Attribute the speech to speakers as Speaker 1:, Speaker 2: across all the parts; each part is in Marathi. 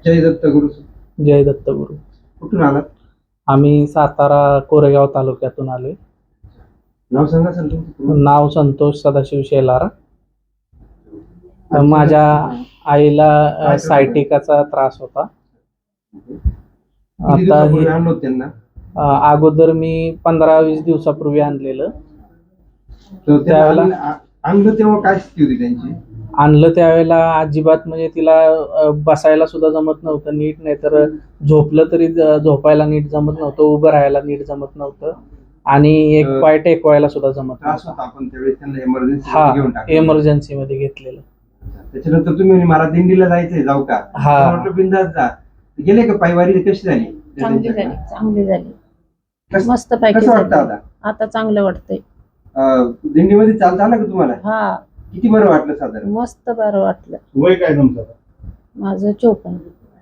Speaker 1: जय दत्त गुरु.
Speaker 2: जय दत्त गुरु.
Speaker 1: कुठून आलात?
Speaker 2: आम्ही सातारा कोरेगाव तालुक्यातून आलोय.
Speaker 1: नाव सांगा सर तुमचं.
Speaker 2: नाव संतोष सदाशिव शेलार. माझ्या आईला सायटिकाचा त्रास होता. आता
Speaker 1: त्यांना
Speaker 2: अगोदर मी 15-20 दिवसापूर्वी आणलेलं.
Speaker 1: त्यावेळेला आणलं तेव्हा काय स्थिती होती त्यांची?
Speaker 2: आणलं त्यावेळेला अजिबात म्हणजे तिला बसायला सुद्धा जमत नव्हतं नीट, नाहीतर झोपलं तरी झोपायला नीट जमत नव्हतं, उभं राहायला नीट जमत नव्हतं आणि एक पाय टेकवायला सुद्धा जमत नव्हतं.
Speaker 1: आपण त्यावेळेस त्यांना
Speaker 2: एमर्जन्सी मध्ये घेतलेलं.
Speaker 1: त्याच्यानंतर तुम्ही मला दिंडीला जायचंय, जाऊ का? म्हटलं बिंदास जा. गेले का पायवारी? कशी झाली?
Speaker 3: चांगली झाली मस्त पैकी.
Speaker 1: कसं वाटतं
Speaker 3: आता चांगलं वाटतंय.
Speaker 1: दिंडीमध्ये चालता आलं का तुम्हाला?
Speaker 3: हा.
Speaker 1: किती बरं वाटलं साधारण?
Speaker 3: मस्त बरं वाटलं.
Speaker 1: वय काय तुमचं?
Speaker 3: माझं 54.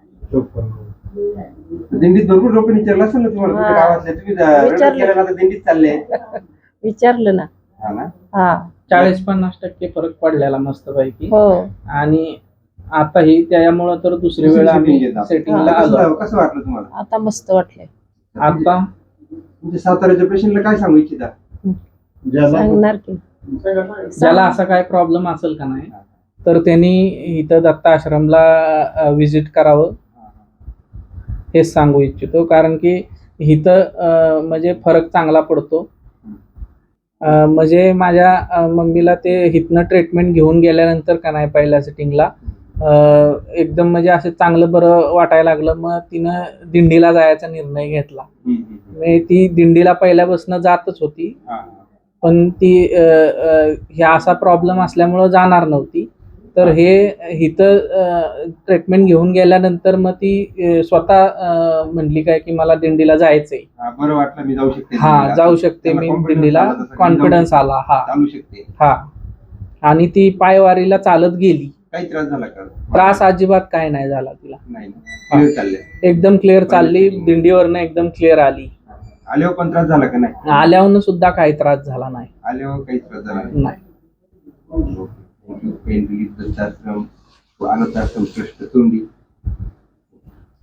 Speaker 1: दिंडीत भरपूर लोक विचारलं असेल ना तुम्हाला, कुठल्या गावातले? तुम्ही केलं ना, दिंडीत चालले
Speaker 3: विचारलं ना. हा.
Speaker 2: 40-50% फरक पडलेला मस्त पैकी.
Speaker 3: हो.
Speaker 2: आणि आता ही त्यामुळे तर दुसरी वेळ आम्ही सेटिंगला आलो.
Speaker 1: कसं वाटलं तुम्हाला?
Speaker 3: आता मस्त वाटलंय.
Speaker 2: आता
Speaker 1: म्हणजे साताऱ्याच्या पेशंटला काय सांगू इच्छिता?
Speaker 3: सांगणार की
Speaker 2: ज्याला असा काय प्रॉब्लेम असेल का नाही, तर त्यांनी इथं दत्त आश्रमला विजिट करावं हेच सांगू इच्छितो. कारण की इथं म्हणजे फरक चांगला पडतो. म्हणजे माझ्या मम्मीला ते इथनं ट्रीटमेंट घेऊन गेल्यानंतर का नाही, पहिल्या सिटिंगला एकदम म्हणजे असं चांगलं बरं वाटायला लागलं. मग तिनं दिंडीला जायचा निर्णय घेतला. ती दिंडीला पहिल्यापासून जातच होती, पण ती ह्या असा प्रॉब्लेम असल्यामुळं जाणार नव्हती. तर हे इथं ट्रीटमेंट घेऊन गेल्यानंतर मग ती स्वतः म्हणली काय की मला दिंडीला जायचंय.
Speaker 1: बरं वाटलं, मी जाऊ शकते.
Speaker 2: हा, जाऊ शकते मी दिंडीला. कॉन्फिडन्स आला. हा. आणि ती पायवारीला चालत गेली.
Speaker 1: काही त्रास झाला का?
Speaker 2: त्रास अजिबात काय नाही झाला तिला.
Speaker 1: नाही,
Speaker 2: एकदम क्लिअर चालली. दिंडीवरनं एकदम क्लिअर आली.
Speaker 1: आल्यावर पण त्रास झाला का? नाही,
Speaker 2: आल्यावर सुद्धा काही त्रास झाला नाही.
Speaker 1: आल्यावर काही त्रास झाला
Speaker 2: नाही.
Speaker 1: अनाथ आश्रम ट्रस्ट तोंडी.